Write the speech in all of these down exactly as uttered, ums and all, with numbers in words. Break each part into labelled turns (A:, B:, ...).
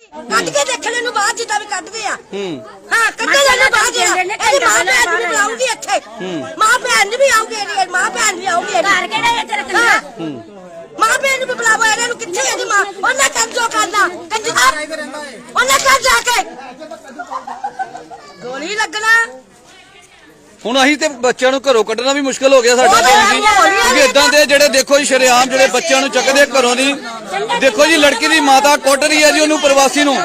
A: ਕੱਢ ਕੇ ਦੇਖਣੇ ਨੂੰ ਬਾਅਦ ਜਿੱਦਾਂ ਵੀ ਕੱਢਦੇ ਆ ਹਾਂ ਕੱਢੇ ਜਾਣੇ ਬਾਅਦ ਇਹਦੀ ਮਾਂ ਭੈਣ ਵੀ ਬੁਲਾਉਂਗੀ ਇੱਥੇ ਮਾਂ ਭੈਣ ਵੀ ਆਉਗੀ ਇਹਦੀ ਮਾਂ ਭੈਣ ਵੀ ਆਉਗੀ ਘਰ ਕਿਹੜਾ ਇੱਥੇ ਰੱਖਣਾ ਮਾਂ ਭੈਣ ਨੂੰ ਵੀ ਬੁਲਾਵੋ ਇਹਨਾਂ ਨੂੰ ਕਿੱਥੇ ਇਹਦੀ ਮਾਂ ਉਹਨੇ ਕੰਮ ਜੋ ਕਰਨਾ ਕੰਜੂਸ ਉਹਨੇ ਕਰ ਜਾ ਕੇ ਗੋਲੀ ਲੱਗਣਾ
B: ਹੁਣ ਅਸੀਂ ਤੇ ਬੱਚਿਆਂ ਨੂੰ ਘਰੋਂ ਕੱਢਣਾ ਵੀ ਮੁਸ਼ਕਲ ਹੋ ਗਿਆ ਸਾਡਾ ਕੰਮ ਜੀ ਕਿਉਂਕਿ ਇਦਾਂ ਦੇ ਜਿਹੜੇ ਦੇਖੋ ਜੀ ਸ਼ਰੇਆਮ ਜਿਹੜੇ ਬੱਚਿਆਂ ਨੂੰ ਚੱਕਦੇ ਘਰੋਂ ਦੀ ਦੇਖੋ ਜੀ ਲੜਕੀ ਦੀ ਮਾਤਾ ਕੁੱਟ ਰਹੀ ਹੈ ਜੀ ਉਹਨੂੰ ਪ੍ਰਵਾਸੀ ਨੂੰ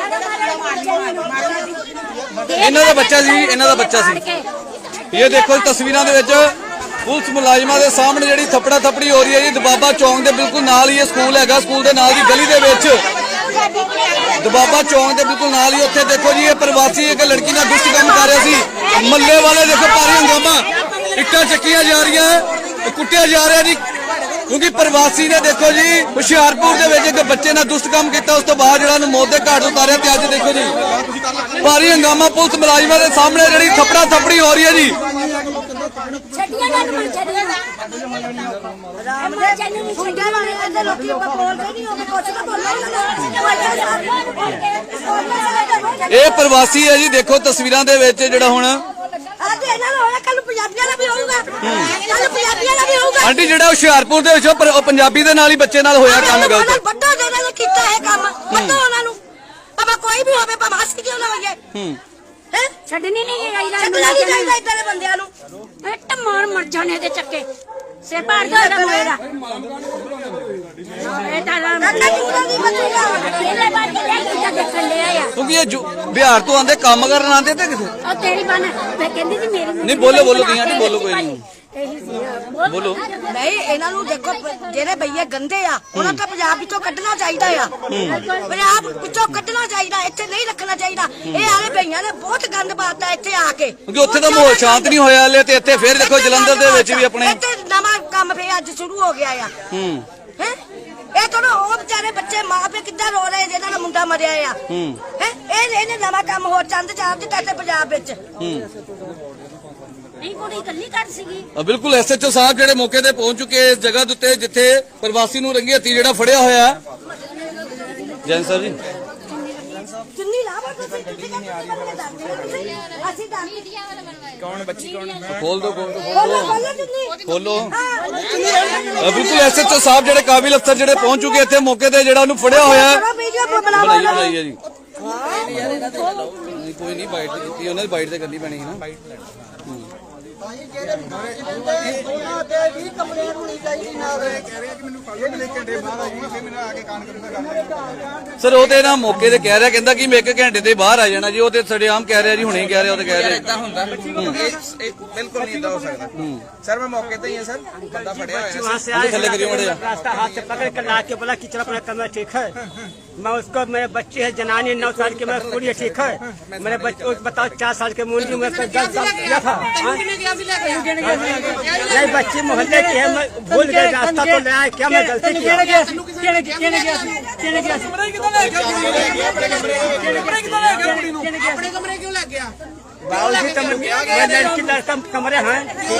B: ਇਹਨਾਂ ਦਾ ਬੱਚਾ ਸੀ ਇਹਨਾਂ ਦਾ ਬੱਚਾ ਸੀ ਇਹ ਦੇਖੋ ਤਸਵੀਰਾਂ ਦੇ ਵਿੱਚ ਪੁਲਿਸ ਮੁਲਾਜ਼ਮਾਂ ਦੇ ਸਾਹਮਣੇ ਜਿਹੜੀ ਥੱਪੜਾ ਥੱਪੜੀ ਹੋ ਰਹੀ ਹੈ ਜੀ ਦਬਾਬਾ ਚੌਂਕ ਦੇ ਬਿਲਕੁਲ ਨਾਲ ਹੀ ਇਹ ਸਕੂਲ ਹੈਗਾ ਸਕੂਲ ਦੇ ਨਾਲ ਦੀ ਗਲੀ ਦੇ ਵਿੱਚ ਦਬਾਬਾ ਚੌਂਕ ਦੇ ਬਿਲਕੁਲ ਨਾਲ ਹੀ ਉੱਥੇ ਦੇਖੋ ਜੀ ਇਹ ਪ੍ਰਵਾਸੀ ਇੱਕ ਲੜਕੀ ਨਾਲ ਦੁਸ਼ਟ ਕੰਮ ਕਰ ਰਿਹਾ ਸੀ ਮੱਲੇ ਵਾਲੇ ਦੇਖੋ ਭਾਰੀ ਹੰਗਾਮਾ ਇੱਟਾਂ ਚੱਕੀਆਂ ਜਾ ਰਹੀਆਂ ਕੁੱਟਿਆ ਜਾ ਰਿਹਾ ਜੀ ਕਿਉਂਕਿ ਪ੍ਰਵਾਸੀ ਨੇ ਦੇਖੋ ਜੀ ਹੁਸ਼ਿਆਰਪੁਰ ਦੇ ਵਿੱਚ ਇੱਕ ਬੱਚੇ ਨਾਲ ਦੁਸ਼ਟ ਕੰਮ ਕੀਤਾ ਉਸ ਤੋਂ ਬਾਅਦ ਜਿਹੜਾ ਉਹਨੂੰ ਮੌਤ ਦੇ ਘਾਟ ਉਤਾਰਿਆ ਤੇ ਅੱਜ ਦੇਖੋ ਜੀ ਭਾਰੀ ਹੰਗਾਮਾ ਪੁਲਿਸ ਮੁਲਾਜ਼ਮਾਂ ਦੇ ਸਾਹਮਣੇ ਜਿਹੜੀ ਥੱਪੜਾ ਥੱਪੜੀ ਹੋ ਰਹੀ ਹੈ ਜੀ ਇਹ ਪ੍ਰਵਾਸੀ ਹੈ ਜੀ ਦੇਖੋ ਤਸਵੀਰਾਂ ਦੇ ਵਿੱਚ ਜਿਹੜਾ ਹੁਣ ਆਂਟੀ ਜਿਹੜਾ ਹੁਸ਼ਿਆਰਪੁਰ ਦੇ ਵਿੱਚ ਉਹ ਪੰਜਾਬੀ ਦੇ ਨਾਲ ਹੀ ਬੱਚੇ ਨਾਲ ਹੋਇਆ ਕੰਮ ਗਲਤ
A: ਵੱਡਾ ਜਿਹੜਾ ਨੇ ਕੀਤਾ ਇਹ ਕੰਮ ਵੱਡਾ ਉਹਨਾਂ ਨੂੰ ਭਾਵੇਂ ਕੋਈ ਵੀ ਹੋਵੇ ਭਾਵੇਂ ਹੱਸ ਕਿਉਂ ਨਾ ਹੋਈਏ ਹੂੰ ਹੈ ਛੱਡਣੀ ਨਹੀਂ ਚਾਹੀਦਾ ਛੱਡਣਾ ਨਹੀਂ ਚਾਹੀਦਾ ਇਦਾਂ ਦੇ ਬੰਦਿਆਂ ਨੂੰ ਇੱਟ ਮਾਰ ਮਰ ਜਾਣੇ ਦੇ ਚੱਕੇ ਸੇ ਪਾੜ ਦੋ ਇਹਦਾ ਮੋਏਰਾ ਇਹ ਤਾਂ ਨਾ ਦੀ ਬੱਚਾ ਇਹਦੇ ਬਾਅਦ ਕਿਹੜਾ ਦੇਖਣ ਲਿਆ ਆ
B: ਕਿਉਂਕਿ ਇਹ ਬਿਹਾਰ ਤੋਂ ਆਂਦੇ ਕੰਮ ਕਰਨ ਆਂਦੇ ਤੇ ਕਿਥੇ
A: ਉਹ ਤੇਰੀ ਬਣ ਮੈਂ ਕਹਿੰਦੀ ਸੀ ਮੇਰੀ
B: ਨਹੀਂ ਬੋਲੋ ਬੋਲੋ ਤੁਸੀਂ ਆਂਟੀ ਬੋਲੋ ਕੋਈ ਨਹੀਂ ਬੋਲੋ
A: ਨਹੀਂ ਇਹਨਾਂ ਨੂੰ ਦੇਖੋ ਜਿਹੜੇ ਬਈਏ ਗੰਦੇ ਆ ਉਹਨਾਂ ਤਾਂ ਪੰਜਾਬ ਵਿੱਚੋਂ ਕੱਢਣਾ ਚਾਹੀਦਾ ਆ ਪੰਜਾਬ ਵਿੱਚੋਂ ਕੱਢਣਾ ਚਾਹੀਦਾ ਇੱਥੇ ਨਹੀਂ ਰੱਖਣਾ ਚਾਹੀਦਾ ਇਹ ਆਲੇ ਬਈਆਂ ਨੇ ਬਹੁਤ ਗੰਦ ਪਾਤਾ ਇੱਥੇ ਆ ਕੇ
B: ਕਿਉਂਕਿ ਉੱਥੇ ਤਾਂ ਮਾਹੌਲ ਸ਼ਾਂਤ ਨਹੀਂ ਹੋਇਆ ਹਲੇ ਤੇ ਇੱਥੇ ਫਿਰ ਦੇਖੋ ਜਲੰਧਰ ਦੇ ਵਿੱਚ ਵੀ ਆਪਣੇ
A: ਇੱਥੇ ਨਵਾਂ ਕੰਮ ਫੇਰ ਅੱਜ ਸ਼ੁਰੂ ਹੋ ਗਿਆ ਆ
B: ਹੂੰ
A: ਹੈ ਇਹ ਤਾਂ ਉਹ ਵਿਚਾਰੇ ਬੱਚੇ ਮਾਂ ਪਿਓ ਕਿੱਦਾਂ ਰੋ ਰਹੇ ਜਿਹਨਾਂ ਦਾ ਮੁੰਡਾ ਮਰਿਆ ਆ
B: ਹੂੰ
A: ਹੈ ਇਹ ਇਹਨੇ ਨਵਾਂ ਕੰਮ ਹੋਰ ਚੰਦ ਚਾਰ ਦਿੱਤਾ ਇੱਥੇ ਪੰਜਾਬ ਵਿੱਚ
B: ਹੂੰ
A: ਨਹੀਂ ਕੋਈ ਇਕੱਲੀ ਕਰ ਸੀਗੀ
B: ਬਿਲਕੁਲ ਐਸਐਚਓ ਸਾਹਿਬ ਜਿਹੜੇ ਮੌਕੇ ਤੇ ਪਹੁੰਚ ਚੁੱਕੇ ਇਸ ਜਗ੍ਹਾ ਦੇ ਉੱਤੇ ਜਿੱਥੇ ਪ੍ਰਵਾਸੀ ਨੂੰ ਰੰਗੇ ਹੱਥੀ ਜਿਹੜਾ ਫੜਿਆ ਹੋਇਆ ਹੈ ਜੈਨ ਸਰ ਜੀ
A: ਚੁੰਨੀ ਲਾਵਾ ਤੁਸੀਂ ਤੁਸੀਂ ਅਸੀਂ ਤਾਂ
C: ਕੌਣ ਬੱਚੀ ਕੌਣ
B: ਖੋਲ ਦੋ ਖੋਲ
A: ਬੋਲੋ ਬੋਲੋ ਚੁੰਨੀ
B: ਖੋਲੋ ਬਿਲਕੁਲ ਐਸਐਚਓ ਸਾਹਿਬ ਜਿਹੜੇ ਕਾਬਿਲ ਅਫਸਰ ਜਿਹੜੇ ਪਹੁੰਚ ਚੁੱਕੇ ਇੱਥੇ ਮੌਕੇ ਤੇ ਜਿਹੜਾ ਉਹਨੂੰ ਫੜਿਆ ਹੋਇਆ ਹੈ ਬਣਾਈ ਬਣਾਈ ਹੈ ਜੀ ਕੋਈ ਨਹੀਂ ਬਾਈਟ ਕੀਤੀ ਉਹਨਾਂ ਦੀ ਬਾਈਟ ਤੇ ਕਰਨੀ ਪੈਣੀ ਹੈ ਨਾ ਸਰ ਉਹ ਤੇ ਨਾ ਮੌਕੇ ਤੇ ਕਹਿ ਰਿਹਾ ਕਹਿੰਦਾ ਕਿ ਮੈਂ ਇੱਕ ਘੰਟੇ ਦੇ ਬਾਹਰ ਆ ਜਾਣਾ ਜੀ ਉਹ ਤੇ ਸੜੇਆਮ ਕਹਿ ਰਿਹਾ ਜੀ ਹੁਣੇ ਕਹਿ ਰਿਹਾ ਉਹ ਤੇ ਕਹਿ ਰਿਹਾ
C: ਇਦਾਂ ਹੁੰਦਾ ਬਿਲਕੁਲ ਨਹੀਂ ਇਦਾਂ ਹੋ ਸਕਦਾ सर मैं मौके पे ही है सर बंदा फड़िया
B: वहाँ से आए
D: रास्ता हाथ से पकड़ कर ला के बोला कि चलो अपना कमरा ठीक है मैं उसको मेरे बच्चे है जनानी नौ साल की मैं पूरी ठीक है मेरे बच्चे बताओ चार साल के मुंडी में दस साल किया था नहीं बच्ची मोहल्ले की है मैं भूल गए रास्ता तो ले आए क्या मैं गलती किया लड़की लड़का कमरे हैं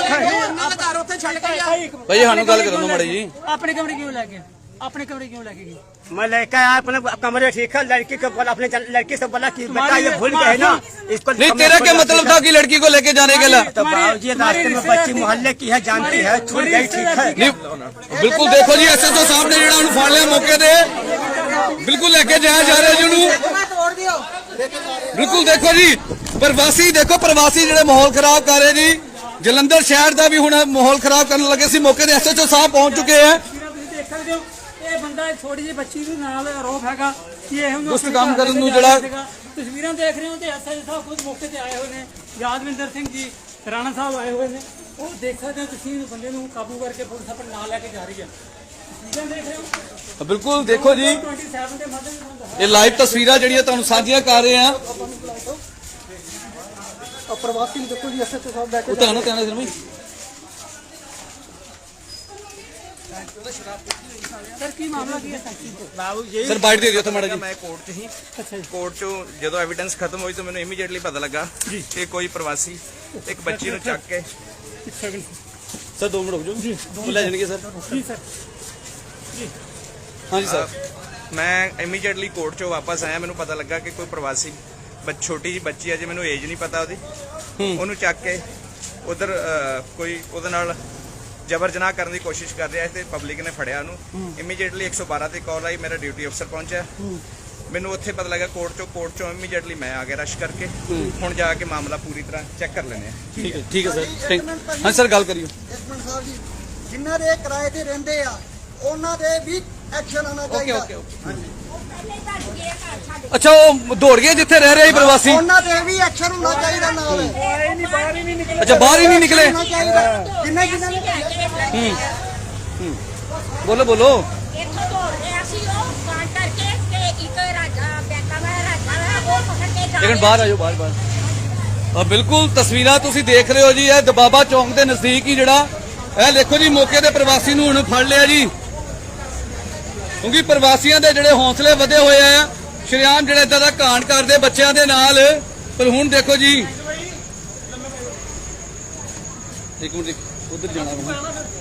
B: भाई ਸਾਨੂੰ ਗੱਲ ਕਰਨ ਦੋ ਮਾੜੀ ਜੀ
E: अपने कमरे क्यों लेके अपने कमरे क्यों लेके गई
D: मैं लेकर आया अपने कमरे ठीक है लड़की को बोला अपने लड़की से बोला कि बेटा ये भूल गए ना इसको
B: नहीं तेरा क्या मतलब था कि लड़की को लेके जाने के लिए
D: तो बाबूजी रास्ते में बच्ची मोहल्ले की है जानती है छूट गई ठीक है
B: बिल्कुल देखो जी एसएचओ साहब ने ਜਿਹੜਾ ਉਹਨੂੰ ਫੜ ਲਿਆ ਮੌਕੇ ਤੇ ਬਿਲਕੁਲ ਲੈ ਕੇ ਜਾਇਆ ਜਾ ਰਿਹਾ ਜੀ ਉਹਨੂੰ ਬਿਲਕੁਲ ਦੇਖੋ ਜੀ ਪ੍ਰਵਾਸੀ ਦੇਖੋ ਪ੍ਰਵਾਸੀ ਜਿਹੜੇ ਮਾਹੌਲ ਖਰਾਬ ਕਰ ਰਹੇ ਜੀ ਜਲੰਧਰ ਸ਼ਹਿਰ ਦਾ ਵੀ ਹੁਣ ਮਾਹੌਲ ਖਰਾਬ ਕਰਨ ਲੱਗੇ ਸੀ ਮੌਕੇ ਤੇ ਐਸਐਚਓ ਸਾਹਿਬ ਪਹੁੰਚ ਚੁੱਕੇ ਹੈ
E: ਇਹ ਬੰਦਾ ਛੋਟੀ ਜਿਹੀ ਬੱਚੀ ਦੇ ਨਾਲ ਆਰੋਪ ਹੈਗਾ ਕਿ ਇਹ ਉਹਨੂੰ
B: ਦੁਸ਼ਟ ਕੰਮ ਕਰਨ ਨੂੰ ਜਿਹੜਾ
E: ਤਸਵੀਰਾਂ ਦੇਖ ਰਹੇ ਹੋ ਤੇ ਐਸਐਚਓ ਸਾਹਿਬ ਖੁਦ ਮੌਕੇ ਤੇ ਆਏ ਹੋਏ ਨੇ ਯਾਦਵਿੰਦਰ ਸਿੰਘ ਜੀ ਰਾਣਾ ਸਾਹਿਬ ਆਏ ਹੋਏ ਨੇ ਉਹ ਦੇਖ ਸਕਦੇ ਹੋ ਤੁਸੀਂ ਬੰਦੇ ਨੂੰ ਕਾਬੂ ਕਰਕੇ ਪੁਲਿਸ ਆਪਣੇ ਨਾਲ ਲੈ ਕੇ ਜਾ ਰਹੀ ਹੈ ਤਸਵੀਰਾਂ ਦੇਖ ਰਹੇ ਹੋ
B: ਬਿਲਕੁਲ ਦੇਖੋ ਜੀ ਇਹ ਲਾਈਵ ਤਸਵੀਰਾਂ ਜਿਹੜੀਆਂ ਤੁਹਾਨੂੰ ਸਾਂਝੀਆਂ ਕਰ ਰਹੇ ਆ
E: ਪ੍ਰਵਾਸੀ ਨੂੰ ਦੇਖੋ ਜੀ ਐਸਐਚਓ ਸਾਹਿਬ ਬੈਠੇ
B: ਉਹ ਤੁਹਾਨੂੰ ਕਹਿਣਾ ਸੀ
E: ਸਰ ਕੀ ਮਾਮਲਾ ਕੀ ਹੈ
C: ਬਾਬੂ ਜੀ
B: ਸਰ ਬਾਈਟ ਦੇ ਦਿਓ ਤਾਂ ਮਾੜਾ ਜੀ
C: ਮੈਂ ਕੋਰਟ 'ਚ ਹੀ ਕੋਰਟ 'ਚੋਂ ਜਦੋਂ ਐਵੀਡੈਂਸ ਖਤਮ ਹੋਈ ਤਾਂ ਮੈਨੂੰ ਇਮੀਡੀਏਟਲੀ ਪਤਾ ਲੱਗਾ ਕਿ ਕੋਈ ਪ੍ਰਵਾਸੀ ਇੱਕ ਬੱਚੀ ਨੂੰ ਚੱਕ ਕੇ
B: ਸਰ ਦੋ ਮਿੰਟ ਰੁਕ ਜਾਓ ਜੀ ਲੈ ਜਾਣਗੇ ਸਰ
E: ਜੀ ਸਰ ਜੀ
B: ਹਾਂਜੀ ਸਰ
C: ਮੈਂ ਇਮੀਡੀਏਟਲੀ ਕੋਰਟ ਚੋਂ ਵਾਪਸ ਆਇਆ, ਮੈਨੂੰ ਪਤਾ ਲੱਗਾ ਕਿ ਕੋਈ ਪ੍ਰਵਾਸੀ ਬੱਚ ਛੋਟੀ ਜਿਹੀ ਬੱਚੀ ਹੈ, ਜੇ ਮੈਨੂੰ ਏਜ ਨਹੀਂ ਪਤਾ ਉਹਦੀ, ਉਹਨੂੰ ਚੱਕ ਕੇ ਉਧਰ ਕੋਈ ਉਹਦੇ ਨਾਲ ਜਬਰ ਜਨਾਹ ਕਰਨ ਦੀ ਕੋਸ਼ਿਸ਼ ਕਰ ਰਿਹਾ ਤੇ ਪਬਲਿਕ ਨੇ ਫੜਿਆ ਉਹਨੂੰ। ਇਮੀਡੀਏਟਲੀ ਇੱਕ ਸੌ ਬਾਰਾਂ ਤੇ ਕਾਲ ਆਈ, ਮੇਰਾ ਡਿਊਟੀ ਅਫਸਰ ਪਹੁੰਚਿਆ, ਮੈਨੂੰ ਉੱਥੇ ਪਤਾ ਲੱਗਾ ਕੋਰਟ ਚੋਂ ਕੋਰਟ ਚੋਂ ਇਮੀਡੀਏਟਲੀ ਮੈਂ ਆ ਗਿਆ ਰਸ਼ ਕਰਕੇ। ਹੁਣ ਜਾ ਕੇ ਮਾਮਲਾ ਪੂਰੀ ਤਰ੍ਹਾਂ ਚੈੱਕ ਕਰ ਲੈਂਦੇ ਆ।
B: ਠੀਕ ਹੈ ਠੀਕ ਹੈ ਸਰ, ਥੈਂਕ ਹਾਂ ਸਰ, ਗੱਲ ਕਰਿਓ।
F: ਇੱਕ ਮਿੰਟ ਸਾਹਿਬ ਜੀ, ਜਿਨ੍ਹਾਂ ਦੇ ਕਿਰਾਏ ਤੇ ਰਹਿੰਦੇ ਆ ਉਹਨਾਂ ਦੇ ਵੀ ਐਕਸ਼ਨ ਆਉਣਾ
B: ਓਕੇ
F: ਚਾਹੀਦਾ।
B: Okay okay. ਅੱਛਾ, ਉਹ ਦੌੜ ਗਏ ਜਿੱਥੇ ਰਹਿ ਰਿਹਾ ਸੀ ਪ੍ਰਵਾਸੀ?
F: ਉਹਨਾਂ ਤੇ ਵੀ ਐਕਸ਼ਨ ਹੋਣਾ ਚਾਹੀਦਾ ਨਾਲ।
B: ਅੱਛਾ, ਬਾਹਰ ਹੀ ਨਹੀਂ ਨਿਕਲੇ?
F: ਹੋਣਾ ਚਾਹੀਦਾ। ਜਿੰਨੇ ਜਿੰਨਾਂ ਨੇ
B: ਹੂੰ ਹੂੰ, ਬੋਲੋ ਬੋਲੋ।
G: ਇੱਥੋਂ ਦੌੜ ਰਿਹਾ ਸੀ ਉਹ ਕਾਂ ਕਰਕੇ ਤੇ ਇੱਕ ਰਾਜਾ ਬੈਂਕਾਂ ਦਾ ਰਾਜਾ ਹੈ ਉਹ ਪਕੜ ਕੇ ਜਾ
B: ਲੇਕਿਨ ਬਾਹਰ ਆਇਓ, ਬਾਹਰ ਬਾਹਰ। ਆ ਬਿਲਕੁਲ ਤਸਵੀਰਾਂ ਤੁਸੀਂ ਦੇਖ ਰਹੇ ਹੋ ਜੀ, ਇਹ ਦਬਾਬਾ ਚੌਂਕ ਦੇ ਨਜ਼ਦੀਕ ਹੀ ਜਿਹੜਾ ਇਹ ਦੇਖੋ ਜੀ, ਮੌਕੇ ਦੇ ਪ੍ਰਵਾਸੀ ਨੂੰ ਹੁਣ ਫੜ ਲਿਆ ਜੀ, ਕਿਉਂਕਿ ਪ੍ਰਵਾਸੀਆਂ ਦੇ ਜਿਹੜੇ ਹੌਸਲੇ ਵਧੇ ਹੋਏ ਆ, ਸ਼ਰੇਆਮ ਜਿਹੜੇ ਇਦਾਂ ਦਾ ਕਾਂਡ ਕਰਦੇ ਬੱਚਿਆਂ ਦੇ ਨਾਲ। ਪਰ ਹੁਣ ਦੇਖੋ ਜੀ, ਇੱਕ ਮਿੰਟ ਉਧਰ ਜਾਣਾ ਮੈਂ।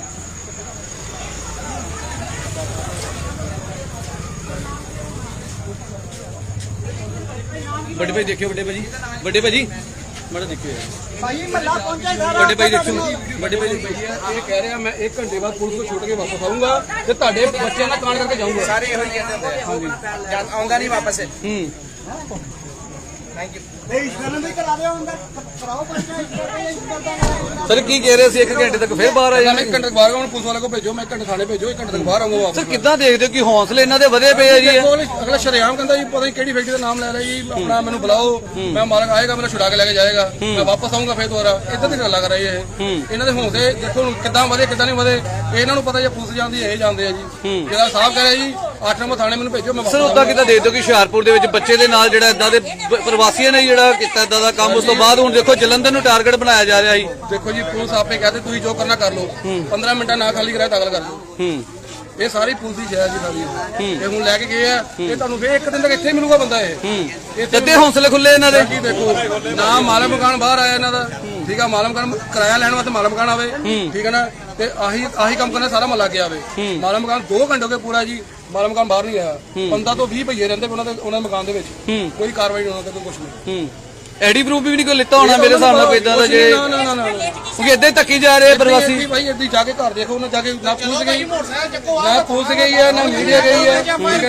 B: ਵੱਡੇ ਭਾਈ ਦੇਖਿਓ, ਵੱਡੇ ਭਾਜੀ, ਵੱਡੇ ਭਾਜੀ ਮਾੜਾ ਦੇਖਿਓ ਯਾਰ।
F: ਭਾਈ ਮੱਲਾ ਪਹੁੰਚੇ ਸਾਰਾ।
B: ਵੱਡੇ ਭਾਈ ਦੇਖਿਓ, ਵੱਡੇ ਭਾਈ ਇਹ ਕਹਿ ਰਿਹਾ ਮੈਂ ਇੱਕ ਘੰਟੇ ਬਾਅਦ ਪੁਲਿਸ ਨੂੰ ਛੁੱਟ ਕੇ ਵਾਪਸ ਆਊਂਗਾ ਤੇ ਤੁਹਾਡੇ ਬੱਚਿਆਂ ਦਾ ਕਾਂਡ ਕਰਕੇ ਜਾਊਂਗਾ।
C: ਸਾਰੇ ਇਹੋ ਜਿਹੇ ਹੁੰਦੇ ਆ। ਹਾਂਜੀ, ਆਉਂਦਾ ਨਹੀਂ ਵਾਪਸ।
B: ਹੂੰ,
C: ਥੈਂਕ ਯੂ।
F: ਇਹ ਇਸ਼ਕਰਨ ਵੀ ਕਰਾ ਦਿਓ ਅੰਦਰ ਕਰਾਓ ਪਰਚਾ ਇਸ਼ਕਰਨ।
B: ਸਰ ਕੀ ਕਹਿ ਰਹੇ ਸੀ? ਇੱਕ ਘੰਟੇ ਤੱਕ ਫਿਰ ਬਾਹਰ ਆ ਜਾਣਾ?
H: ਇੱਕ ਘੰਟੇ ਬਾਹਰ ਆਉਣ, ਪੁਲਿਸ ਵਾਲੇ ਕੋ ਭੇਜੋ, ਮੈਂ ਘੰਟੇ ਥਾਣੇ ਭੇਜੋ, ਇੱਕ ਘੰਟੇ ਤੱਕ ਬਾਹਰ ਆਉਂਗਾ ਵਾਪਸ।
B: ਸਰ ਕਿੱਦਾਂ ਦੇਖਦੇ ਹੋ ਕਿ ਹੌਸਲੇ ਇਹਨਾਂ ਦੇ ਵਧੇ ਪਏ ਆ ਜੀ?
H: ਦੇਖੋ, ਅਗਲਾ ਸ਼ਰੇਆਮ ਕਹਿੰਦਾ ਜੀ ਪਤਾ ਨਹੀਂ ਕਿਹੜੀ ਫੈਕਟਰੀ ਦਾ ਨਾਮ ਲੈ ਰਿਹਾ ਜੀ, ਆਪਣਾ ਮੈਨੂੰ ਬੁਲਾਓ, ਮੈਂ ਮਾਲਕ ਆਏਗਾ ਮੇਰਾ ਛੁਡਾ ਕੇ ਲੈ ਕੇ ਜਾਏਗਾ, ਮੈਂ ਵਾਪਸ ਆਊਂਗਾ ਫੇਰ ਦੁਬਾਰਾ। ਇੱਦਾਂ ਦੀ ਗੱਲਾਂ ਕਰ ਰਹੀ ਹੈ ਇਹ। ਇਹਨਾਂ ਦੇ ਹੌਸਲੇ ਦੇਖੋ ਹੁਣ ਕਿੱਦਾਂ ਵਧੇ ਕਿੱਦਾਂ ਨਹੀਂ ਵਧੇ, ਇਹਨਾਂ ਨੂੰ ਪਤਾ ਜੇ ਪੁਲਿਸ ਜਾਂਦੀ ਇਹ ਜਾਂਦੇ ਆ ਜੀ। ਜਿਹੜਾ ਸਾਹਿਬ ਕਹ ਰਿਹਾ ਜੀ ਅੱਠ ਨੰਬਰ ਥਾਣੇ ਮੈਨੂੰ ਭੇਜੋ, ਮੈਂ
B: ਸਰ ਉਦਾਂ ਕਿੱਦਾਂ ਦੇਖਦੇ ਹੋ ਕਿ ਹੁਸ਼ਿਆਰਪੁਰ ਦੇ ਵਿੱਚ ਬੱਚੇ ਦੇ ਨਾਲ ਜਿਹੜਾ ਇਦਾਂ ਦੇ ਪ- ਪ੍ਰਵਾਸੀਆਂ ਨੇ ਜਿਹੜਾ ਕੀਤਾ ਇਦਾਂ ਦਾ ਕੰਮ, ਉਸ ਤੋਂ ਬਾਅਦ ਹੁਣ ਦੇਖੋ ਜਲੰਧਰ ਨੂੰ ਟਾਰਗੇਟ ਬਣਾਇਆ ਜਾ ਰਿਹਾ ਜੀ।
H: ਦੇਖੋ ਜੀ ਪੁਲਿਸ ਆਪੇ ਕਹਤੇ ਤੁਸੀਂ ਜੋ ਕਰਨਾ ਕਰ ਲਓ, ਪੰਦਰਾਂ ਮਿੰਟਾਂ ਨਾ ਖਾਲੀ ਕਰਾਇਆ ਦਾਖਲ ਕਰ ਲਓ।
B: ਹੂੰ,
H: ਇਹ ਸਾਰੀ ਪੁਲਿਸ ਦੀ ਸ਼ਹਿਰ ਜੀ ਸਾਰੀ ਇਹ ਹੁਣ ਲੈ ਕੇ ਗਏ ਆ, ਇਹ ਤੁਹਾਨੂੰ ਫੇਰ ਇੱਕ ਦਿਨ ਤੱਕ ਇੱਥੇ ਮਿਲੂਗਾ ਬੰਦਾ। ਇਹ ਇੱਥੇ
B: ਅੱਧੇ ਹੌਸਲੇ ਖੁੱਲੇ ਇਹਨਾਂ ਦੇ।
H: ਜੀ ਦੇਖੋ ਨਾ ਮਾਲਮ ਮਕਾਨ ਬਾਹਰ ਆਇਆ ਇਹਨਾਂ ਦਾ, ਠੀਕ ਆ, ਮਾਲਮ ਮਕਾਨ ਕਿਰਾਇਆ ਲੈਣ ਵਾਸਤੇ ਮਾਲਮ ਮਕਾਨ ਆਵੇ, ਠੀਕ ਹੈ ਨਾ, ਤੇ ਆਹੀ ਆਹੀ ਕੰਮ ਕਰਨਾ ਸਾਰਾ ਮਹੱਲਾ ਕੇ ਆਵੇ। ਮਾਲਮ ਮਕਾਨ ਦੋ ਘੰਟੇ ਹੋ ਗਏ ਪੂਰਾ ਜੀ, ਮਾਲਮ ਮਕਾਨ ਬਾਹਰ ਨਹੀਂ ਆਇਆ। ਪੰਦਰਾਂ ਤੋਂ ਵੀਹ ਭਈਏ ਰਹਿੰਦੇ ਉਹਨਾਂ ਦੇ ਉਹਨਾਂ ਦੇ ਮਕਾਨ ਦੇ ਵਿੱਚ, ਕੋਈ ਕਾਰਵਾਈ ਨਹੀਂ ਉਹਨਾਂ ਤੇ, ਕੋਈ ਕੁਛ ਨਹੀਂ।
B: ਹੂੰ, ਐਡੀ ਪ੍ਰੂਫ ਵੀ ਨਹੀਂ ਕੋਈ ਲਿੱਤਾ ਹੋਣਾ ਮੇਰੇ ਹਿਸਾਬ ਨਾਲ ਕੋਈ ਇਦਾਂ ਦਾ, ਜੇ
H: ਨਾ ਨਾ ਨਾ ਨਾ
B: ਕਿਉਂਕਿ ਏਦਾਂ ਹੀ ਧੱਕੀ ਜਾ ਰਹੇ ਪ੍ਰਵਾਸੀ।
H: ਭਾਈ ਇੱਦੀ ਜਾ ਕੇ ਘਰ ਦੇਖੋ, ਉਹਨਾਂ ਜਾ ਕੇ ਨਾ ਪੁਲਿਸ ਗਈ ਨਾ ਪੁਲਿਸ ਗਈ ਹੈ ਨਾ ਮੀਡੀਆ ਗਈ ਹੈ, ਠੀਕ ਹੈ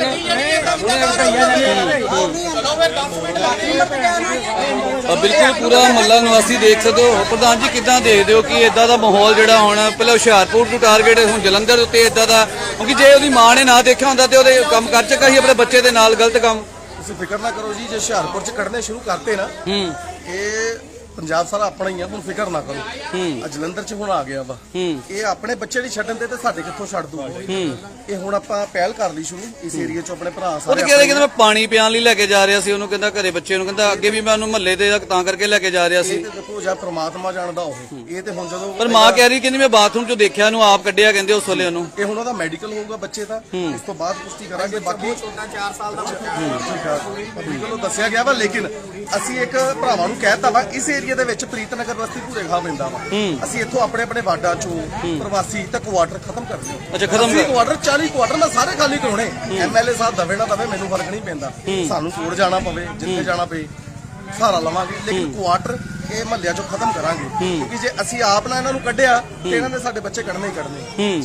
B: ਆ ਬਿਲਕੁਲ ਪੂਰਾ ਮਹੱਲਾ ਨਿਵਾਸੀ ਦੇਖ ਸਕਦੇ ਹੋ। ਪ੍ਰਧਾਨ ਜੀ ਕਿੱਦਾਂ ਦੇਖਦੇ ਹੋ ਕਿ ਇਦਾਂ ਦਾ ਮਾਹੌਲ ਜਿਹੜਾ ਹੁਣ ਪਹਿਲਾਂ ਹੁਸ਼ਿਆਰਪੁਰ ਨੂੰ ਟਾਰਗੇਟ, ਹੁਣ ਜਲੰਧਰ ਉੱਤੇ ਇਦਾਂ ਦਾ, ਕਿਉਂਕਿ ਜੇ ਉਹਦੀ ਮਾਂ ਨੇ ਨਾ ਦੇਖਿਆ ਹੁੰਦਾ ਤੇ ਉਹਦੇ ਕੰਮ ਕਰ ਚੱਕਾ ਸੀ ਆਪਣੇ ਬੱਚੇ ਦੇ ਨਾਲ ਗਲਤ ਕੰਮ।
I: ਤੁਸੀਂ ਫਿਕਰ ਨਾ ਕਰੋ ਜੀ, ਜੇ ਹੁਸ਼ਿਆਰਪੁਰ ਚ ਕੱਢਨੇ ਸ਼ੁਰੂ ਕਰਤੇ ਨਾ,
B: ਹੂੰ,
I: ਇਹ ਪੰਜਾਬ ਸਾਰਾ ਆਪਣਾ ਹੀ ਆ, ਹੁਣ ਫਿਕਰ ਨਾ ਕਰੋ। ਆ ਜਲੰਧਰ ਚ ਹੁਣ ਆ ਗਿਆ ਵਾ, ਇਹ ਆਪਣੇ ਬੱਚੇ ਨਹੀਂ ਛੱਡਣ ਦੇ ਤੇ ਸਾਡੇ ਕਿੱਥੋਂ ਛੱਡ ਦੂਗਾ। ਇਹ ਹੁਣ ਆਪਾਂ ਪਹਿਲ ਕਰ ਲਈ ਸ਼ੁਰੂ ਇਸ ਏਰੀਆ ਚ, ਆਪਣੇ ਭਰਾ
B: ਉਹ
I: ਸਾਰੇ
B: ਤਾਂ ਕਹਿੰਦੇ ਕਹਿੰਦਾ ਮੈਂ ਪਾਣੀ ਪਿਆਣ ਲਈ ਲੈ ਕੇ ਜਾ ਰਿਹਾ ਸੀ ਉਹਨੂੰ, ਕਹਿੰਦਾ ਘਰੇ ਬੱਚੇ ਨੂੰ, ਕਹਿੰਦਾ ਅੱਗੇ ਵੀ ਮੈਂ ਉਹਨੂੰ ਮਹੱਲੇ ਤੇ ਤਾਂ ਕਰਕੇ ਲੈ ਕੇ ਜਾ ਰਿਹਾ ਸੀ।
I: ਇਹ ਤੇ ਦੇਖੋ ਜਾਂ ਪ੍ਰਮਾਤਮਾ ਜਾਣਦਾ ਉਹ, ਇਹ ਤੇ ਹੁਣ ਜਦੋਂ
B: ਪਰ ਮਾਂ ਕਹਿ ਰਹੀ ਕਹਿੰਦੀ ਮੈਂ ਬਾਥਰੂਮ ਚੋਂ ਦੇਖਿਆ ਉਹਨੂੰ, ਆਪ ਕੱਢਿਆ ਕਹਿੰਦੇ ਉਸ ਵੇਲੇ ਉਹਨੂੰ।
I: ਇਹ ਹੁਣ ਉਹਦਾ ਮੈਡੀਕਲ ਹੋਊਗਾ ਬੱਚੇ ਦਾ, ਉਸ ਤੋਂ ਬਾਅਦ ਪੁਸ਼ਟੀ ਕਰਾਂਗੇ। ਬਾਕੀ ਚਾਰ ਸਾਲ ਦਾ ਠੀਕ ਆ, ਮੈਡੀਕਲ ਨੂੰ ਦੱਸਿਆ ਗਿਆ ਵਾ, ਲੇਕਿਨ ਅਸੀਂ ਇੱਕ ਭਰਾਵਾਂ ਨੂੰ ਕਹਿਤਾ ਵਾ ਇਸ ਏਰੀਆ ਦੇ ਵਿੱਚ ਪ੍ਰੀਤਨਗਰ ਬਸਤੀ ਭੂਰੇ ਖਾ ਪੈਂਦਾ ਵਾ, ਅਸੀਂ ਇੱਥੋਂ ਆਪਣੇ ਆਪਣੇ ਵਾਰਡਾਂ ਚੋਂ ਪ੍ਰਵਾਸੀ ਤੇ ਕੁਆਟਰ ਖਤਮ ਕਰ ਦਿਓ।
B: ਅੱਛਾ, ਖਤਮ ਕਰ-
I: ਕੁਆਟਰ ਚਾਲੀ ਕੁਆਟਰ ਮੈਂ ਸਾਰੇ ਖਾਲੀ ਕਰਾਉਣੇ। ਐਮਐਲਏ ਸਾਹਿਬ ਦਵੇ ਨਾ ਦਵੇ ਮੈਨੂੰ ਫਰਕ ਨਹੀਂ ਪੈਂਦਾ, ਸਾਨੂੰ ਕੋੜ ਜਾਣਾ ਪਵੇ ਜਿੱਥੇ ਜਾਣਾ ਪਏ ਸਹਾਰਾ ਲਵਾਂਗੇ, ਲੇਕਿਨ ਕੁਆਟਰ ਇਹ ਮਹੱਲਿਆਂ ਚੋਂ ਖਤਮ ਕਰਾਂਗੇ, ਕਿਉਂਕਿ ਜੇ ਅਸੀਂ ਆਪ ਨਾ ਇਹਨਾਂ ਨੂੰ ਕੱਢਿਆ ਤੇ ਇਹਨਾਂ ਦੇ ਸਾਡੇ ਬੱਚੇ ਕੱਢਣੇ ਹੀ ਕੱਢਣੇ।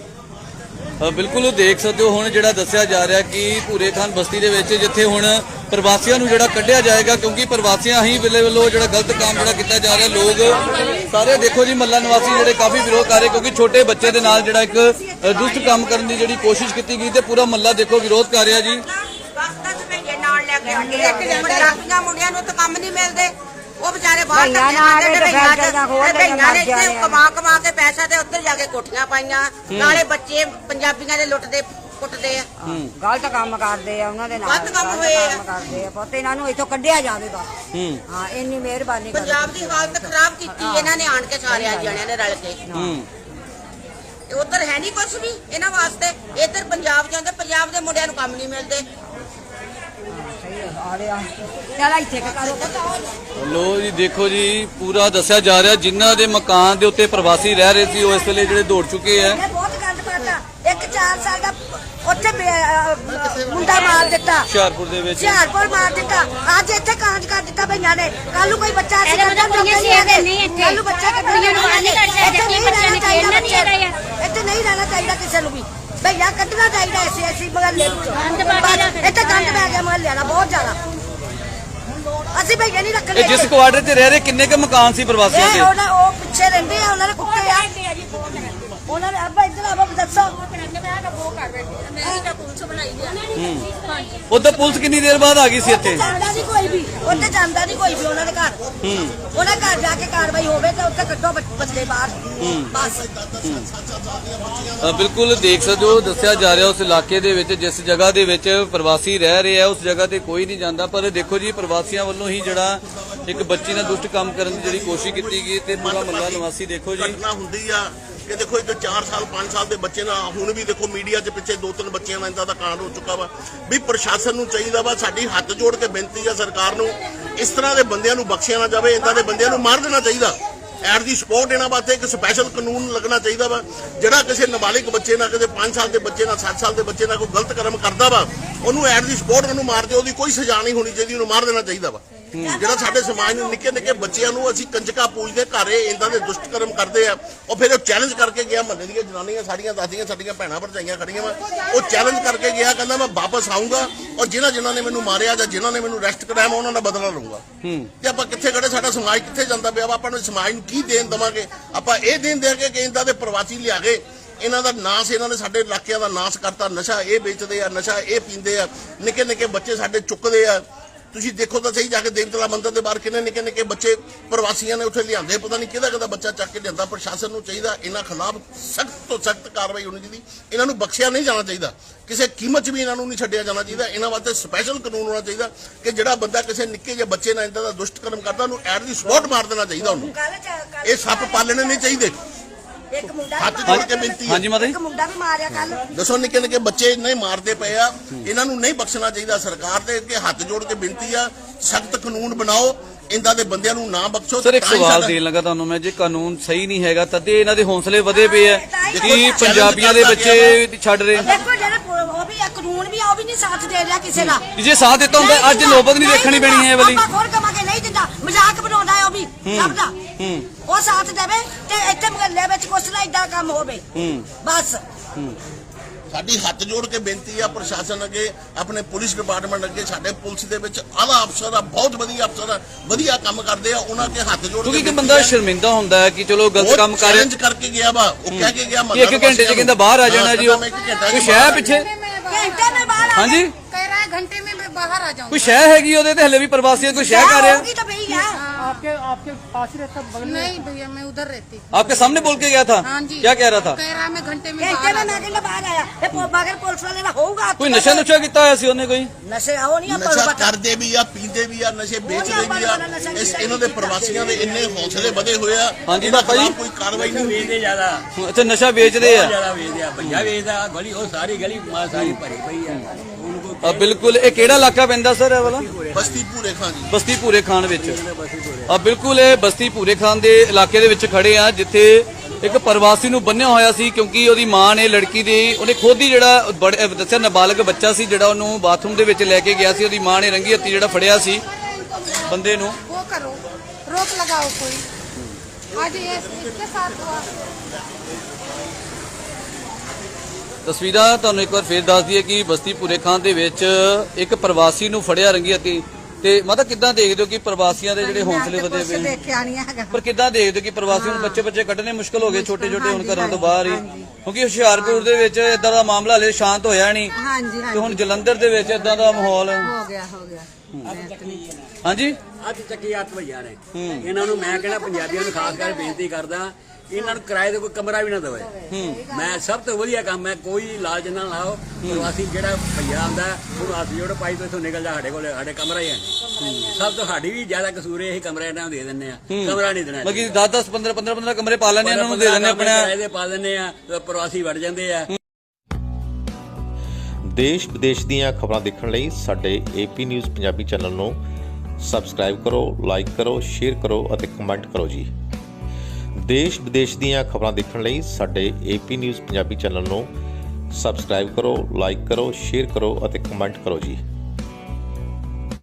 B: ਅ, ਬਿਲਕੁਲ ਉਹ ਦੇਖ ਸਕਦੇ ਹੋ ਹੁਣ ਜਿਹੜਾ ਦੱਸਿਆ ਜਾ ਰਿਹਾ ਕਿ ਭੂਰੇ ਖਾਨ ਬਸਤੀ ਦੇ ਵਿੱਚ ਜਿੱਥੇ ਹੁਣ ਪ੍ਰਵਾਸੀਆਂ ਨੂੰ ਜਿਹੜਾ ਕੱਢਿਆ ਜਾਏਗਾ, ਕਿਉਂਕਿ ਪ੍ਰਵਾਸੀਆਂ ਹੀ ਵੇਲੇ ਵੱਲੋਂ ਜਿਹੜਾ ਗਲਤ ਕੰਮ ਜਿਹੜਾ ਕੀਤਾ ਜਾ ਰਿਹਾ, ਲੋਕ ਸਾਰੇ ਦੇਖੋ ਜੀ ਮਹੱਲਾ ਨਿਵਾਸੀ ਜਿਹੜੇ ਕਾਫੀ ਵਿਰੋਧ ਕਰ ਰਹੇ, ਕਿਉਂਕਿ ਛੋਟੇ ਬੱਚੇ ਦੇ ਨਾਲ ਜਿਹੜਾ ਇੱਕ ਅ, ਦੁਸ਼ਟ ਕੰਮ ਕਰਨ ਦੀ ਜਿਹੜੀ ਕੋਸ਼ਿਸ਼ ਕੀਤੀ ਗਈ ਤੇ ਪੂਰਾ ਮਹੱਲਾ ਦੇਖੋ ਵਿਰੋਧ ਕਰ ਰਿਹਾ ਜੀ।
A: ਨਾਲ ਲੈ ਕੇ ਆਂਦੇ ਇੱਕ ਪੰਜਾਬੀਆਂ ਮੁੰਡਿਆਂ ਨੂੰ ਤਾਂ ਕੰਮ ਨਹੀਂ ਮਿਲਦੇ, ਉਹ ਵਿਚਾਰੇ ਬਾਹਰ
G: ਭਈਆਂ ਨਾਲ
A: ਧੱਕੇ
G: ਤੇ
A: ਖਾਂਦੇ
G: ਫਿਰ ਜਾਂ ਹੋਰ
A: ਨੇ। ਭਈਆਂ ਨੇ
G: ਮਰ
A: ਇੱਥੇ
G: ਜਾਣੇ ਆ।
A: ਕਮਾ ਕਮਾ ਕੇ ਪੈਸਾ ਤੇ ਉੱਧਰ ਜਾ ਕੇ ਕੋਠੀਆਂ ਪਾਈਆਂ, ਨਾਲੇ ਬੱਚੇ ਪੰਜਾਬੀਆਂ ਦੇ ਲੁੱਟਦੇ ਕੁੱਟਦੇ ਆ।
G: ਗਲਤ ਕੰਮ ਕਰਦੇ ਆ ਉਹਨਾਂ ਦੇ ਨਾਲ,
A: ਗਲਤ ਕੰਮ ਹੋਏ ਆ।
G: ਕੰਮ ਕਰਦੇ ਆ ਪੁੱਤ, ਇਹਨਾਂ ਨੂੰ ਇੱਥੋਂ ਕੱਢਿਆ ਜਾਵੇ ਬਸ। ਹਾਂ, ਇੰਨੀ ਮਿਹਰਬਾਨੀ ਕਰੋ।
A: ਪੰਜਾਬ ਦੀ ਹਾਲਤ ਖਰਾਬ ਕੀਤੀ ਇਹਨਾਂ ਨੇ ਆਣ ਕੇ ਸਾਰਿਆਂ ਜਣਿਆਂ ਨੇ ਰਲ ਕੇ। ਤੇ ਉੱਧਰ ਹੈ ਨਹੀਂ ਕੁਝ ਵੀ ਇਹਨਾਂ ਵਾਸਤੇ, ਇੱਧਰ ਪੰਜਾਬ ਜਾਂਦੇ, ਪੰਜਾਬ ਦੇ ਮੁੰਡਿਆਂ ਨੂੰ ਕੰਮ ਨਹੀਂ ਮਿਲਦੇ।
G: ਚਲ ਇੱਥੇ ਕਰੋ।
B: ਲੋ ਜੀ ਦੇਖੋ ਜੀ ਪੂਰਾ ਦੱਸਿਆ ਜਾ ਰਿਹਾ, ਜਿਨ੍ਹਾਂ ਦੇ ਮਕਾਨ ਦੇ ਉੱਤੇ ਪ੍ਰਵਾਸੀ ਰਹਿ ਰਹੇ ਸੀ ਉਹ ਇਸ ਵੇਲੇ ਜਿਹੜੇ ਦੌੜ ਚੁੱਕੇ ਆ।
A: ਬਹੁਤ ਗੰਦ ਪਾਤਾ, ਇੱਕ ਚਾਰ ਸਾਲ ਦਾ ਉੱਥੇ ਬੇ- ਅਹ, ਮੁੰਡਾ ਮਾਰ ਦਿੱਤਾ
B: ਹੁਸ਼ਿਆਰਪੁਰ ਦੇ ਵਿੱਚ
A: ਹੁਸ਼ਿਆਰਪੁਰ ਮਾਰ ਦਿੱਤਾ ਅੱਜ ਇੱਥੇ ਕਾਂਜ ਕਰ ਦਿੱਤਾ ਭਈਆਂ ਨੇ ਕੱਲ ਨੂੰ ਕੋਈ ਬੱਚਾ ਅਸੀਂ
G: ਇਹਦਾ ਮਤਲਬ ਕੁੜੀਆਂ ਸੀ ਇਹਦੇ ਨਹੀਂ ਇੱਥੇ।
A: ਕੱਲ ਨੂੰ ਬੱਚਾ ਕੱਢਣ
G: ਕੁੜੀਆਂ ਨੂੰ ਬਾਹਰ ਨਹੀਂ ਕੱਢ ਸਕਦੇ,
A: ਇੱਥੇ ਨਹੀਂ
G: ਬੱਚਿਆਂ
A: ਰਹਿਣਾ
G: ਨੂੰ
A: ਚਾਹੀਦਾ
G: ਖੇਡਣਾ ਨਹੀਂ
A: ਬੱਚੇ।
G: ਚਾਹੀਦਾ।
A: ਇੱਥੇ ਨਹੀਂ ਰਹਿਣਾ ਚਾਹੀਦਾ ਕਿਸੇ ਨੂੰ ਵੀ ਭਈਆ ਕੱਢਣਾ ਚਾਹੀਦਾ ਐਸੀ ਐਸੀ ਮਹੱਲੇ ਵਿੱਚੋਂ
G: ਗੰਦ ਪਾ ਕੇ ਰੱਖ
A: ਇੱਥੇ ਗੰਦ ਪੈ ਗਿਆ ਮਹੱਲੇ ਵਾਲਾ ਬਹੁਤ ਜ਼ਿਆਦਾ ਅਸੀਂ ਭਈਆ ਨਹੀਂ ਰੱਖਣੇ
B: ਇਹ ਜਿਸ ਕੁਆਟਰ 'ਚ ਰਹਿ ਰਹੇ ਕਿੰਨੇ ਕੁ ਮਕਾਨ ਸੀ ਪ੍ਰਵਾਸੀਆਂ
A: ਇਹ
B: ਦੇ?
A: ਉਹਨਾਂ ਉਹ ਪਿੱਛੇ ਰਹਿੰਦੇ ਆ ਉਹਨਾਂ ਦੇ ਕੁੱਤੇ ਆ ਉਹਨਾਂ ਨੇ ਅੱਬਾ ਇੱਧਰ ਆਵਾ ਦੱਸੋ
B: ਉਧਰ ਪੁਲਿਸ ਕਿੰਨੀ ਦੇਰ ਬਾਅਦ ਆ ਗਈ ਸੀ ਇੱਥੇ?
A: ਜਾਂਦਾ ਨਹੀਂ ਕੋਈ ਵੀ ਉੱਥੇ ਜਾਂਦਾ ਨਹੀਂ ਕੋਈ ਵੀ ਉਹਨਾਂ ਦੇ ਘਰ ਉਹਨਾਂ ਘਰ ਜਾ ਕੇ ਕਾਰਵਾਈ ਹੋਵੇ ਤੇ ਉੱਥੇ ਕੱਢੋ ਬੱਚ- ਬੱਚੇ ਬਾਹਰ ਬਸ
B: ਅ, ਬਿਲਕੁਲ ਦੇਖ ਸਕਦੇ ਹੋ, ਦੱਸਿਆ ਜਾ ਰਿਹਾ ਉਸ ਇਲਾਕੇ ਦੇ ਵਿੱਚ ਜਿਸ ਜਗ੍ਹਾ ਦੇ ਵਿੱਚ ਪ੍ਰਵਾਸੀ ਰਹਿ ਰਹੇ ਆ ਉਸ ਜਗ੍ਹਾ ਤੇ ਕੋਈ ਨਹੀਂ ਜਾਂਦਾ। ਪਰ ਦੇਖੋ ਜੀ ਪ੍ਰਵਾਸੀਆਂ ਵੱਲੋਂ ਹੀ ਜਿਹੜਾ ਇੱਕ ਬੱਚੀ ਨਾਲ ਦੁਸ਼ਟ ਕੰਮ ਕਰਨ ਦੀ ਜਿਹੜੀ ਕੋਸ਼ਿਸ਼ ਕੀਤੀ ਗਈ ਤੇ ਪੂਰਾ ਮੱਲਾ ਨਿਵਾਸੀ ਦੇਖੋ ਜੀ
J: ਘਟਨਾ ਹੁੰਦੀ ਆ ਕਿ ਦੇਖੋ ਇੱਕ ਚਾਰ ਸਾਲ ਪੰਜ ਸਾਲ ਦੇ ਬੱਚੇ ਨਾਲ ਹੁਣ ਵੀ ਦੇਖੋ ਮੀਡੀਆ 'ਚ ਪਿੱਛੇ ਦੋ ਤਿੰਨ ਬੱਚਿਆਂ ਦਾ ਇੰਦਾ ਦਾ ਕਾਂਡ ਹੋ ਚੁੱਕਾ ਵਾ ਵੀ ਪ੍ਰਸ਼ਾਸਨ ਨੂੰ ਚਾਹੀਦਾ ਵਾ ਸਾਡੀ ਹੱਥ ਜੋੜ ਕੇ ਬੇਨਤੀ ਆ ਸਰਕਾਰ ਨੂੰ ਇਸ ਤਰ੍ਹਾਂ ਦੇ ਬੰਦਿਆਂ ਨੂੰ ਬਖਸ਼ਿਆ ਨਾ ਜਾਵੇ ਇੰਦਾਂ ਦੇ ਬੰਦਿਆਂ ਨੂੰ ਮਾਰ ਦੇਣਾ ਚਾਹੀਦਾ ਐਟ ਦੀ ਸਪੋਰਟ ਇਹਨਾਂ ਵਾਸਤੇ ਇੱਕ ਸਪੈਸ਼ਲ ਕਾਨੂੰਨ ਲੱਗਣਾ ਚਾਹੀਦਾ ਵਾ ਜਿਹੜਾ ਕਿਸੇ ਨਾਬਾਲਿਗ ਬੱਚੇ ਨਾਲ ਕਿਸੇ ਪੰਜ ਸਾਲ ਦੇ ਬੱਚੇ ਨਾਲ ਸੱਤ ਸਾਲ ਦੇ ਬੱਚੇ ਨਾਲ ਕੋਈ ਗਲਤ ਕਰਮ ਕਰਦਾ ਵਾ ਉਹਨੂੰ ਐਟ ਦੀ ਸਪੋਰਟ ਉਹਨੂੰ ਮਾਰ ਦਿਓ ਉਹਦੀ ਕੋਈ ਸਜ਼ਾ ਨਹੀਂ ਹੋਣੀ ਚਾਹੀਦੀ ਉਹਨੂੰ ਮਾਰ ਦੇਣਾ ਚਾਹੀਦਾ ਵਾ ਜਿਹੜਾ ਸਾਡੇ ਸਮਾਜ ਨੂੰ ਨਿੱਕੇ ਨਿੱਕੇ ਬੱਚਿਆਂ ਨੂੰ ਅਸੀਂ ਕੰਜਕਾਂ ਪੂਜਦੇ ਘਰੇ ਇੰਦਾਂ ਦੇ ਦੁਸ਼ਟ ਕਰਮ ਕਰਦੇ ਆ ਉਹ ਫਿਰ ਉਹ ਚੈਲੰਜ ਕਰਕੇ ਗਿਆ ਮਹੱਲੇ ਦੀਆਂ ਜਨਾਨੀਆਂ ਸਾਡੀਆਂ ਦੱਸਦੀਆਂ ਸਾਡੀਆਂ ਭੈਣਾਂ ਭਰਜਾਈਆਂ ਖੜੀਆਂ ਵਾ ਉਹ ਚੈਲੰਜ ਕਰਕੇ ਗਿਆ ਕਹਿੰਦਾ ਮੈਂ ਵਾਪਸ ਆਊਂਗਾ ਔਰ ਜਿਨ੍ਹਾਂ ਜਿਨ੍ਹਾਂ ਨੇ ਮੈਨੂੰ ਮਾਰਿਆ ਜਾਂ ਜਿਨ੍ਹਾਂ ਨੇ ਮੈਨੂੰ ਅਰੈਸਟ ਕਰਾਇਆ ਮੈਂ ਉਹਨਾਂ ਦਾ ਬਦਲਾ ਲਊਂਗਾ ਤੇ ਆਪਾਂ ਕਿੱਥੇ ਖੜੇ ਸਾਡਾ ਸਮਾਜ ਕਿੱਥੇ ਜਾਂਦਾ ਪਿਆ ਵਾ ਆਪਾਂ ਨੂੰ ਸਮਾਜ ਨੂੰ ਕੀ ਦੇਣ ਦੇਵਾਂਗੇ ਆਪਾਂ ਇਹ ਦੇਣ ਦੇਾਂਗੇ ਕਿ ਇੰਦਾਂ ਦੇ ਪ੍ਰਵਾਸੀ ਲਿਆ ਕੇ ਇਹਨਾਂ ਦਾ ਨਾਸ ਇਹਨਾਂ ਨੇ ਸਾਡੇ ਇਲਾਕਿਆਂ ਦਾ ਨਾਸ ਕਰਤਾ ਨਸ਼ਾ ਇਹ ਵੇਚਦੇ ਆ ਨਸ਼ਾ ਇਹ ਪੀਂਦੇ ਆ ਨਿੱਕੇ ਨਿੱਕੇ ਬੱਚੇ ਸਾਡੇ ਚੁੱਕਦੇ ਆ ਤੁਸੀਂ ਦੇਖੋ ਤਾਂ ਸਹੀ ਜਾ ਕੇ ਦੇਵਤਲਾ ਮੰਦਿਰ ਦੇ ਬਾਹਰ ਕਿੰਨੇ ਨਿੱਕੇ ਨਿੱਕੇ ਬੱਚੇ ਪ੍ਰਵਾਸੀਆਂ ਨੇ ਉੱਥੇ ਲਿਆਂਦੇ ਪਤਾ ਨਹੀਂ ਕਿਹਦਾ ਕਿਹਦਾ ਬੱਚਾ ਚੱਕ ਕੇ ਲਿਆਂਦਾ ਪ੍ਰਸ਼ਾਸਨ ਨੂੰ ਚਾਹੀਦਾ ਇਹਨਾਂ ਖਿਲਾਫ ਸਖਤ ਤੋਂ ਸਖਤ ਕਾਰਵਾਈ ਹੋਣੀ ਚਾਹੀਦੀ ਇਹਨਾਂ ਨੂੰ ਬਖਸ਼ਿਆ ਨਹੀਂ ਜਾਣਾ ਚਾਹੀਦਾ ਕਿਸੇ ਕੀਮਤ 'ਚ ਵੀ ਇਹਨਾਂ ਨੂੰ ਨਹੀਂ ਛੱਡਿਆ ਜਾਣਾ ਚਾਹੀਦਾ ਇਹਨਾਂ ਵਾਸਤੇ ਸਪੈਸ਼ਲ ਕਾਨੂੰਨ ਹੋਣਾ ਚਾਹੀਦਾ ਕਿ ਜਿਹੜਾ ਬੰਦਾ ਕਿਸੇ ਨਿੱਕੇ ਜਿਹੇ ਬੱਚੇ ਨਾਲ ਇੰਦਾ ਦਾ ਦੁਸ਼ਟ ਕਰਮ ਕਰਦਾ ਉਹਨੂੰ ਐਟ ਦੀ ਸਪੋਰਟ ਮਾਰ ਦੇਣਾ ਚਾਹੀਦਾ ਉਹਨੂੰ ਇਹ ਸੱਪ ਪਾਲਣੇ ਨਹੀਂ ਚਾਹੀਦੇ
A: ਇੱਕ ਮੁੰਡਾ
J: ਹੱਥ ਜੋੜ ਕੇ ਬੇਨਤੀ ਹੈ
B: ਹਾਂਜੀ ਮਾਤਾ ਜੀ
A: ਇੱਕ ਮੁੰਡਾ ਵੀ ਮਾਰਿਆ ਕੱਲ
J: ਦੱਸੋ ਨਿੱਕੇ ਨਿੱਕੇ ਬੱਚੇ ਨਹੀਂ ਮਾਰਦੇ ਪਏ ਆ ਇਹਨਾਂ ਨੂੰ ਨਹੀਂ ਬਖਸ਼ਣਾ ਚਾਹੀਦਾ ਸਰਕਾਰ ਦੇ ਅੱਗੇ ਹੱਥ ਜੋੜ ਕੇ ਬੇਨਤੀ ਆ ਸਖਤ ਕਾਨੂੰਨ ਬਣਾਓ ਇੰਦਾਂ ਦੇ ਬੰਦਿਆਂ ਨੂੰ ਨਾ ਬਖਸ਼ੋ
B: ਸਰ ਇੱਕ
J: ਤਾਂ ਹੀ
B: ਸਵਾਲ
J: ਸਾਡਾ-
B: ਦੇਣ ਲੱਗਾ ਤੁਹਾਨੂੰ ਮੈਂ, ਜੇ ਕਾਨੂੰਨ ਸਹੀ ਨਹੀਂ ਹੈਗਾ ਤਦ ਇਹ ਇਹਨਾਂ ਦੇ ਹੌਸਲੇ ਵਧੇ ਪਏ ਆ ਕਿ ਪੰਜਾਬੀਆਂ ਦੇ ਬੱਚੇ ਛੱਡ ਰਹੇ ਨੇ।
A: ਦੇਖੋ ਜਿਹੜੇ ਪੁ- ਉਹ ਵੀ ਇਹ ਕਾਨੂੰਨ ਵੀ ਆ, ਉਹ ਵੀ ਨਹੀਂ ਸਾਥ ਦੇ ਰਿਹਾ ਕਿਸੇ ਦਾ
B: ਜੇ ਸਾਥ ਦਿੱਤਾ ਹੁੰਦਾ ਅੱਜ ਨੌਬਤ ਨਹੀਂ ਦੇਖਣੀ ਪੈਣੀ ਹੈ ਇਹ ਵਾਲੀ।
A: ਆਪਾਂ ਖੋਰ ਕਮਾਂਗੇ ਨਹੀਂ ਦਿੰਦਾ ਮਜ਼ਾਕ ਬਣਾਉਂਦਾ ਹੈ ਉਹ ਵੀ ਸਭ ਦਾ ਉਹ ਸਾਥ ਦੇਵੇ ਤੇ ਇੱਥੇ ਮਹੱਲੇ ਵਿੱਚ ਕੁਛ ਨਾ ਇਦਾਂ ਕੰਮ ਹੋਵੇ ਬਸ
J: ਸਾਡੀ ਹੱਥ ਜੋੜ ਕੇ ਬੇਨਤੀ ਆ ਪ੍ਰਸ਼ਾਸਨ ਅੱਗੇ ਆਪਣੇ ਪੁਲਿਸ ਡਿਪਾਰਟਮੈਂਟ ਅੱਗੇ ਸਾਡੇ ਪੁਲਿਸ ਦੇ ਵਿੱਚ ਆਲਾ ਅਫਸਰ ਆ ਬਹੁਤ ਵਧੀਆ ਅਫਸਰ ਆ ਵਧੀਆ ਕੰਮ ਕਰਦੇ ਆ ਉਹਨਾਂ ਅੱਗੇ ਹੱਥ ਜੋੜ
B: ਕਿਉਂਕਿ
J: ਕੇ
B: ਇੱਕ ਬੰਦਾ ਸ਼ਰਮਿੰਦਾ ਹੁੰਦਾ ਹੈ ਕਿ ਚਲੋ ਗਲਤ ਕੰਮ ਕਰ ਰਿਹਾ
J: ਚੈਲੰਜ ਕਰਕੇ ਗਿਆ ਵਾ ਉਹ ਕਹਿ ਕੇ ਗਿਆ
B: ਕਿ ਇੱਕ ਘੰਟੇ 'ਚ ਕਹਿੰਦਾ ਬਾਹਰ ਆ ਜਾਣਾ ਜੀ ਉਹ ਕੋਈ ਸ਼ਹਿ ਪਿੱਛੇ
A: ਘੰਟੇ में बाहर आ
B: ਹਾਂਜੀ
G: कह रहा है घंटे में मैं बाहर आ जाऊँ
B: ਕੋਈ ਸ਼ਹਿ ਹੈਗੀ ਉਹਦੇ ਤੇ ਹਲੇ ਵੀ ਪ੍ਰਵਾਸੀਆਂ ਕੋਈ ਸ਼ਹਿ ਕਰ ਰਿਹਾ
A: होगी तो भैया
E: आपके आपके पास ही रहता बगल में?
G: नहीं भैया मैं उधर रहती
B: आपके सामने बोल के गया था
G: हाँ जी
B: क्या कह रहा था?
G: कह रहा है मैं घंटे में
A: घंटे
G: बाहर
A: में
G: आ
A: मैं कहना बाहर आया ये पो- मगर पुलिस वाले ना होगा
B: ਕੋਈ ਨਸ਼ਾ ਨੁਸ਼ਾ ਕੀਤਾ ਹੋਇਆ ਸੀ ਉਹਨੇ ਕੋਈ?
A: नशे आओ नहीं अपन
J: ਨਸ਼ਾ
A: पता
J: ਕਰਦੇ ਵੀ ਆ ਪੀਂਦੇ ਵੀ ਆ ਨਸ਼ੇ ਵੇਚਦੇ ਵੀ ਆ ਇਸ ਇਹਨਾਂ ਦੇ ਪ੍ਰਵਾਸੀਆਂ ਦੇ ਇੰਨੇ ਹੌਸਲੇ ਵਧੇ ਹੋਏ ਆ
B: ਹਾਂਜੀ
J: ਇਹਨਾਂ
B: ਬਾਬਾ ਜੀ।
J: ਖਿਲਾਫ ਕੋਈ ਕਾਰਵਾਈ ਨਹੀਂ ਹੋਈ
D: ਵੇਚਦੇ ਜ਼ਿਆਦਾ
B: ਅੱਛਾ ਨਸ਼ਾ ਵੇਚਦੇ ਆ
D: ਜ਼ਿਆਦਾ ਵੇਚਦੇ ਆ ਭਈਆ ਵੇਚਦਾ ਗਲੀ ਉਹ ਸਾਰੀ ਗਲੀ ਮਾਂ ਸਾਰੀ ਭਰੀ ਪਈ ਆ ਉਹਨੂੰ
B: ਆ ਬਿਲਕੁਲ ਇਹ ਕਿਹੜਾ ਇਲਾਕਾ ਪੈਂਦਾ ਸਰ ਇਹ ਵਾਲਾ?
J: ਬਸਤੀ ਭੂਰੇ ਖਾਂ ਜੀ
B: ਬਸਤੀ ਭੂਰੇ ਖਾਨ ਵਿੱਚ ਆ ਬਿਲਕੁਲ ਇਹ ਬਸਤੀ ਭੂਰੇ ਖਾਨ ਦੇ ਇਲਾਕੇ ਦੇ ਵਿੱਚ ਖੜੇ ਆ ਜਿੱਥੇ ਇੱਕ ਪ੍ਰਵਾਸੀ ਨੂੰ ਬੰਨਿਆ ਹੋਇਆ ਸੀ ਕਿਉਂਕਿ ਉਹਦੀ ਮਾਂ ਨੇ ਲੜਕੀ ਦੇ ਉਹਨੇ ਖੁਦ ਹੀ ਜਿਹੜਾ ਬੜੇ- ਦੱਸਿਆ ਨਾਬਾਲਗ ਬੱਚਾ ਸੀ ਜਿਹੜਾ ਉਹਨੂੰ ਬਾਥਰੂਮ ਦੇ ਵਿੱਚ ਲੈ ਕੇ ਗਿਆ ਸੀ ਉਹਦੀ ਮਾਂ ਨੇ ਰੰਗੀ ਹੱਥੀ ਜਿਹੜਾ ਫੜਿਆ ਸੀ ਬੰਦੇ ਨੂੰ।
G: वो करो रोक लगाओ कोई आज ये इसके साथ हुआ
B: ਤਸਵੀਰਾਂ ਤੁਹਾਨੂੰ ਇੱਕ ਵਾਰ ਫੇਰ ਦੱਸ ਦਈਏ ਕਿ ਬਸਤੀ ਭੂਰੇ ਖਾਨ ਦੇ ਵਿੱਚ ਇੱਕ ਪ੍ਰਵਾਸੀ ਨੂੰ ਫੜਿਆ ਰੰਗੀ ਹੱਥੀ ਤੇ ਮਾਤਾ ਕਿੱਦਾਂ ਦੇਖਦੇ ਹੋ ਕਿ ਪ੍ਰਵਾਸੀਆਂ ਦੇ ਜਿਹੜੇ ਹੌਸਲੇ ਵਧੇ ਪਏ ਨੇ?
A: ਦੇਖਿਆ ਨਹੀਂ ਹੈਗਾ
B: ਪਰ ਕਿੱਦਾਂ ਦੇਖਦੇ ਹੋ ਕਿ ਪ੍ਰਵਾਸੀਆਂ ਨੂੰ ਬੱਚੇ ਬੱਚੇ ਕੱਢਣੇ ਮੁਸ਼ਕਲ ਹੋ ਗਏ ਛੋਟੇ ਛੋਟੇ ਹੁਣ ਘਰਾਂ ਤੋਂ ਬਾਹਰ ਹੀ ਕਿਉਂਕਿ ਹੁਸ਼ਿਆਰਪੁਰ ਦੇ ਵਿੱਚ ਇਦਾਂ ਦਾ ਮਾਮਲਾ ਹਲੇ ਸ਼ਾਂਤ ਹੋਇਆ ਨਹੀਂ
A: ਹਾਂਜੀ
B: ਤੇ ਹੁਣ ਜਲੰਧਰ ਦੇ ਵਿੱਚ ਇਦਾਂ ਦਾ ਮਾਹੌਲ
A: ਹੋ ਗਿਆ ਹੋ ਗਿਆ
B: ਹਾਂਜੀ
D: ਅੱਜ ਚੱਕੀ ਹੱਥ ਭਈਆ ਨੇ ਇਹਨਾਂ ਨੂੰ ਮੈਂ ਕਹਿੰਦਾ ਪੰਜਾਬੀਆਂ ਨੂੰ ਖਾਸ ਕਰਕੇ ਬੇਨਤੀ ਕਰਦਾ ਇਹਨਾਂ ਨੂੰ ਕਿਰਾਏ ਤੇ ਕੋਈ ਕਮਰਾ ਵੀ ਨਾ ਦੇਵੇ ਮੈਂ ਸਭ ਤੋਂ ਵਧੀਆ ਕੰਮ ਹੈ ਕੋਈ ਲਾਲਚ ਨਾ ਲਾਓ ਪ੍ਰਵਾਸੀ ਜਿਹੜਾ ਭਈਆ ਆਉਂਦਾ ਉਹਨੂੰ ਹੱਥ ਜੋੜ ਪਾਈ ਤੋਂ ਇੱਥੋਂ ਨਿਕਲ ਜਾ ਸਾਡੇ ਕੋਲ ਸਾਡੇ ਕਮਰਾ ਹੀ ਹੈ ਨਹੀਂ। ਸਭ ਤੋਂ ਸਾਡੀ ਵੀ ਜ਼ਿਆਦਾ ਕਸੂਰ ਇਹ ਕਮਰਾ ਇਹਨਾਂ ਨੂੰ ਦੇ ਦਿੰਦੇ ਆ ਕਮਰਾ ਨਹੀਂ ਦੇਣਾ
B: ਬਾਕੀ ਦਸ ਦਸ ਪੰਦਰਾਂ ਪੰਦਰਾਂ ਪੰਦਰਾਂ ਕਮਰੇ ਪਾ ਲੈਣੇ ਇਹਨਾਂ ਨੂੰ ਦੇ ਦਿੰਦੇ ਆਪਣਾ
D: ਕਿਰਾਏ ਦੇ ਪਾ ਦਿੰਦੇ ਆ ਤੇ ਪ੍ਰਵਾਸੀ ਵੜ ਜਾਂਦੇ ਆ।
K: ਦੇਸ਼ ਵਿਦੇਸ਼ ਦੀਆਂ ਖਬਰਾਂ ਦੇਖਣ ਲਈ ਸਾਡੇ ਏਪੀ ਨਿਊਜ਼ ਪੰਜਾਬੀ ਚੈਨਲ ਨੂੰ ਸਬਸਕ੍ਰਾਈਬ ਕਰੋ, ਲਾਈਕ ਕਰੋ, ਸ਼ੇਅਰ ਕਰੋ ਅਤੇ ਕਮੈਂਟ ਕਰੋ ਜੀ। ਦੇਸ਼ ਵਿਦੇਸ਼ ਦੀਆਂ ਖਬਰਾਂ ਦੇਖਣ ਲਈ ਸਾਡੇ ਏਪੀ ਨਿਊਜ਼ ਪੰਜਾਬੀ ਚੈਨਲ ਨੂੰ ਸਬਸਕ੍ਰਾਈਬ ਕਰੋ, ਲਾਈਕ ਕਰੋ, ਸ਼ੇਅਰ ਕਰੋ ਅਤੇ ਕਮੈਂਟ ਕਰੋ ਜੀ।